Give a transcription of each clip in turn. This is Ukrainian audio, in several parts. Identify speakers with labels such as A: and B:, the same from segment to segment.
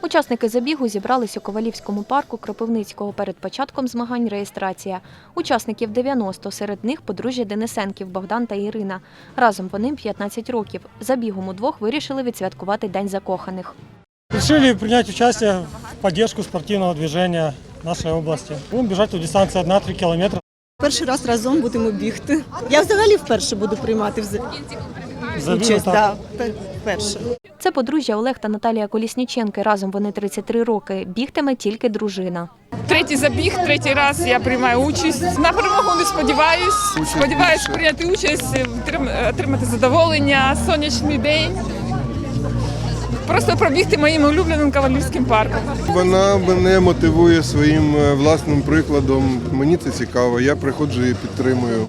A: Учасники забігу зібрались у Ковалівському парку Кропивницького. Перед початком змагань реєстрація. Учасників 90, серед них подружжя Денисенків Богдан та Ірина. Разом по ним 15 років. Забігом удвох вирішили відсвяткувати День закоханих.
B: Решили принять участие в поддержку спортивного движения нашей области. Будем бежать у дистанции 1-3 километра.
C: Перший раз разом будемо бігти. Я взагалі вперше буду приймати участь. Да, вперше.
A: Це подружжя Олег та Наталія Колісніченки. Разом вони 33 роки. Бігтиме тільки дружина.
D: Третій забіг, третій раз я приймаю участь. На перемогу не сподіваюсь. Сподіваюсь прийняти участь, отримати задоволення, сонячний день. Просто пробігти моїм улюбленим Ковалівським парком.
E: Вона мене мотивує своїм власним прикладом. Мені це цікаво, я приходжу і підтримую.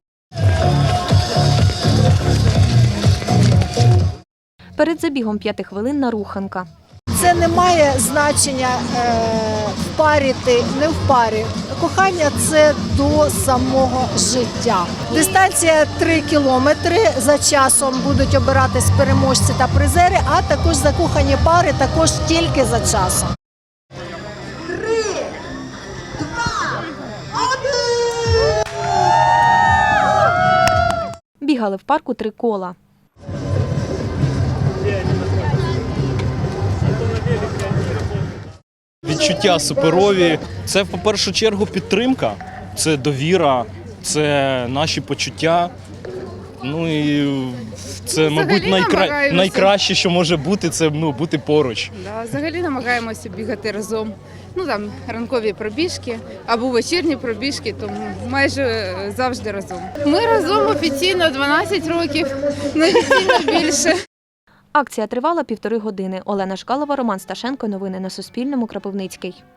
A: Перед забігом 5-хвилинна руханка.
F: Це не має значення в парі ти, не в парі. Кохання – це до самого життя. Дистанція 3 кілометри. За часом будуть обиратись переможці та призери, а також закохані пари також тільки за часом. 3, 2, 1!
A: Бігали в парку 3 кола.
G: Відчуття суперові. Це, в першу чергу, підтримка, це довіра, це наші почуття. Ну і це, мабуть, найкраще, що може бути, це бути поруч.
H: Взагалі намагаємося бігати разом. Ранкові пробіжки або вечірні пробіжки, тому майже завжди разом. Ми разом офіційно 12 років, неофіційно більше.
A: Акція тривала 1,5 години. Олена Шкалова, Роман Сташенко. Новини на Суспільному. Кропивницький.